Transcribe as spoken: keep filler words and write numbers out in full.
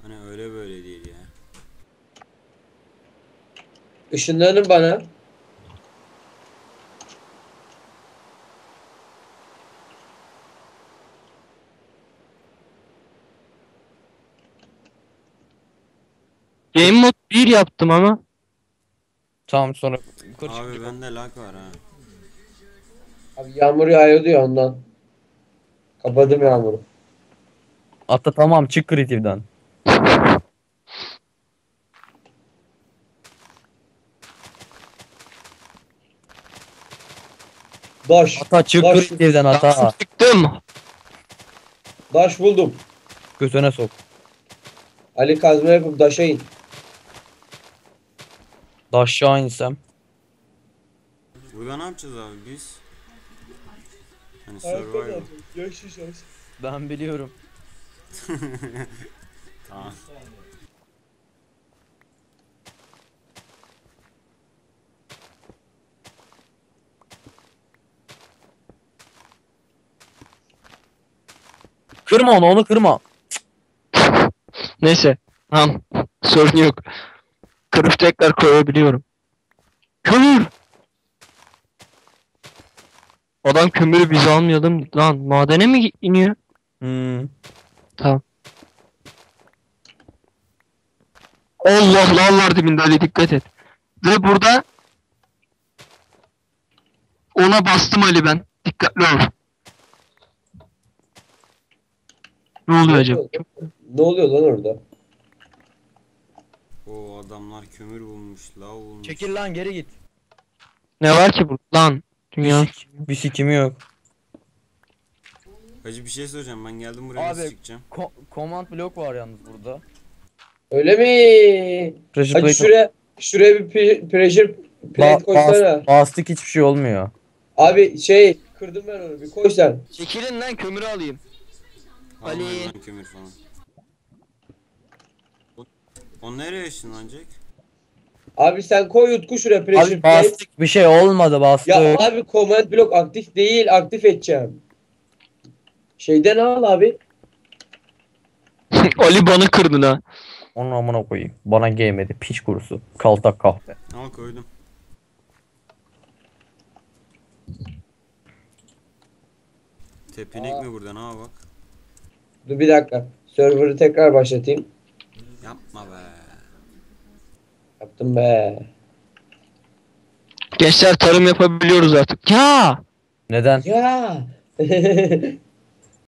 Hani öyle böyle değil ya. Işınlanın bana. Game mode bir yaptım ama. Tamam sonra yukarı Abi çıkacak. bende lag var ha. Abi yağmur yağıyor diyor ondan. Kapadım yağmuru. Hatta tamam çık Creative'den. Daş. Hatta çık Daş. Creative'den hata. Çıktım. Daş buldum. Götüne sok. Ali kazma yapıp daşa in. Da aşağı insem. Burada ne yapacağız abi biz? Hani survival. Ben biliyorum. Tamam. Kırma onu onu kırma. Neyse. Tamam. Sorun yok. Kırıp tekrar koyabiliyorum. Kömür. Adam kömürü biz almayalım. Lan madene mi iniyor? Hmm. Tamam. Allah lan var dibinde Ali dikkat et. Ve burada ona bastım Ali ben. Dikkatli ol. Ne oluyor acaba? Ne oluyor lan orada? O adamlar kömür bulmuş, lav bulmuş. Çekil lan geri git. Ne var ki burada lan? Dünya. Bir, sik bir sikimi yok. Hacı bir şey soracağım, ben geldim buraya nasıl Abi çıkacağım? ko command blok var yalnız burada. Öyle mi? Pressure Hadi plate- şuraya şuraya bir pre- pressure plate Ba koysana. bas bastık hiçbir şey olmuyor. Abi şey kırdım ben onu bir koy sen. Çekilin lan kömürü alayım. Ali. Almayın lan kömür falan. O, o nereye ışınlanacak? Abi sen koy Utku şuraya pressure Abi plate. bastık bir şey olmadı bastık. Ya abi command block aktif değil, aktif edeceğim. Şeyden al abi. Ali bana kırdın ha. Onu amına koyayım. Bana gelmedi piç kurusu. Kaltak kahpe. Al koydum. Tepinek mi burada, ne bak? Dur bir dakika. Server'ı tekrar başlatayım. Yapma be. Yaptım be. Gençler tarım yapabiliyoruz artık. Ya. Neden? Ya.